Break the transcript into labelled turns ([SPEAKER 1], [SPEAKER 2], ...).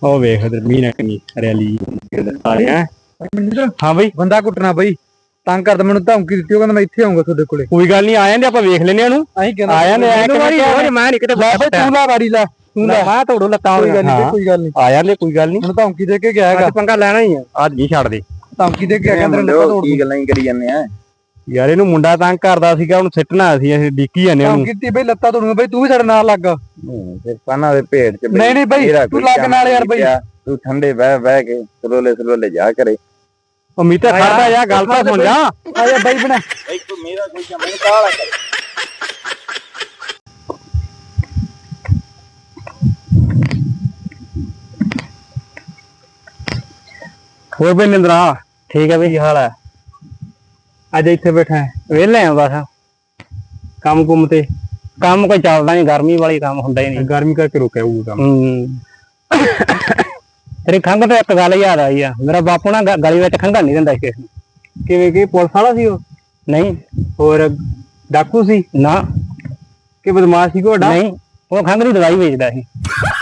[SPEAKER 1] ਉਹ ਵੇਖ ਇਧਰ ਮੀਂਹ ਕਿੰਨੀ ਰੈਲੀ ਆ ਰਿਹਾ। ਹਾਂ ਬਈ
[SPEAKER 2] ਬੰਦਾ ਕੁੱਟਣਾ ਬਈ ਤੰਗ ਕਰਦਾ ਮੈਨੂੰ ਧਮਕੀ ਦਿੱਤੀ ਉਹ ਕਹਿੰਦਾ ਮੈਂ ਇੱਥੇ ਆਉਂਗਾ ਤੁਹਾਡੇ ਕੋਲੇ।
[SPEAKER 1] ਕੋਈ ਗੱਲ ਨਹੀਂ ਆ ਜਾਂਦੇ ਆਪਾਂ ਵੇਖ ਲੈਨੇ ਉਹਨੂੰ
[SPEAKER 2] ਅਸੀਂ ਕਹਿੰਦਾ
[SPEAKER 1] ਆ ਜਾਂਦੇ
[SPEAKER 2] ਮੈਂ ਨਹੀਂ ਕਿਤੇ ਤੂੰ ਲਾ ਵਾੜੀ ਲਾ ਤੂੰ ਲਾ
[SPEAKER 1] ਮੈਂ ਤੋੜੋ ਲੱਤਾਂ
[SPEAKER 2] ਕੋਈ ਗੱਲ ਨਹੀਂ
[SPEAKER 1] ਆ ਜਾਂਦੇ ਕੋਈ ਗੱਲ ਨਹੀਂ
[SPEAKER 2] ਮੈਨੂੰ ਧਮਕੀ ਦੇ ਕੇ ਗਿਆ ਹੈਗਾ।
[SPEAKER 1] ਪੰਗਾ ਲੈਣਾ ਹੀ ਆ ਅੱਜ ਨਹੀਂ ਛੱਡਦੇ
[SPEAKER 2] ਧਮਕੀ ਦੇ ਕੇ ਗਿਆ ਕਹਿੰਦੇ ਲੱਤਾਂ ਤੋੜ ਕੀ ਗੱਲਾਂ ਹੀ ਕਰੀ ਜਾਂਦੇ ਆ
[SPEAKER 1] ਯਾਰ ਇਹਨੂੰ ਮੁੰਡਾ ਤੰਗ ਕਰਦਾ ਸੀਗਾ ਉਹਨੂੰ ਸਿੱਟਣਾ ਸੀ ਅਸੀਂ ਡਿੱਕੀ ਜਾਂਦੇ ਉਹਨੂੰ
[SPEAKER 2] ਧਮਕੀ ਦਿੱਤੀ ਬਈ ਲੱਤਾਂ ਤੋੜੂਗਾ ਬਈ ਤੂੰ ਵੀ ਸਾਡੇ ਨਾਲ ਲੱਗ
[SPEAKER 3] ਫਿਰ ਪਾਣਾ ਦੇ ਭੇਡ ਚ
[SPEAKER 2] ਨਹੀਂ ਬਈ ਤੂੰ ਲੱਗ ਨਾਲ ਯਾਰ ਬਈ
[SPEAKER 3] ਤੂੰ ਠੰਡੇ ਬਹਿ ਕੇ ਸਲੋਲੇ ਜਾ ਕਰੇ
[SPEAKER 1] ਉਮੀਦ ਤੇ ਖੜਦਾ ਯਾਰ ਗੱਲ ਤਾਂ ਸੁਣ ਜਾ
[SPEAKER 2] ਆ ਜਾ ਬਈ ਬਣਾ
[SPEAKER 3] ਇੱਕ ਮੇਰਾ ਕੋਈ ਮੈਨੂੰ ਕਾਲਾ ਕਰ
[SPEAKER 1] ਹੋਰ ਬਈ ਨਿੰਦਰਾ ਠੀਕ ਹੈ ਬਈ ਕੀ ਹਾਲ ਹੈ ਅੱਜ ਇੱਥੇ ਬੈਠਾ ਵਿਹਲੇ ਆ ਬਸ ਕੰਮ ਕੁੰਮ ਤੇ ਕੰਮ ਕੋਈ ਚੱਲਦਾ ਨਹੀਂ ਗਰਮੀ ਵਾਲੀ ਕੰਮ ਹੁੰਦਾ ਹੀ ਨਹੀਂ ਗਰਮੀ ਕਰਕੇ ਰੁਕਿਆ ਹੋਊਗਾ ਕੰਮ ਤੇਰੀ ਖੰਘ ਤੇ ਇੱਕ ਗੱਲ ਯਾਦ ਆਈ ਆ ਮੇਰਾ ਬਾਪੂ ਨਾ ਗਲੀ ਵਿੱਚ ਖੰਘਣ ਨਹੀਂ ਦਿੰਦਾ ਕਿਸੇ ਨੂੰ ਕਿਵੇਂ ਕਿ ਪੁਲਿਸ ਵਾਲਾ ਸੀ ਉਹ ਨਹੀਂ ਹੋਰ ਡਾਕੂ ਸੀ ਨਾ ਕਿ ਬਦਮਾਸ਼ ਸੀ ਕੋਡਾ ਨਹੀਂ ਉਹ ਖੰਘ ਦੀ ਦਵਾਈ ਵੇਚਦਾ ਸੀ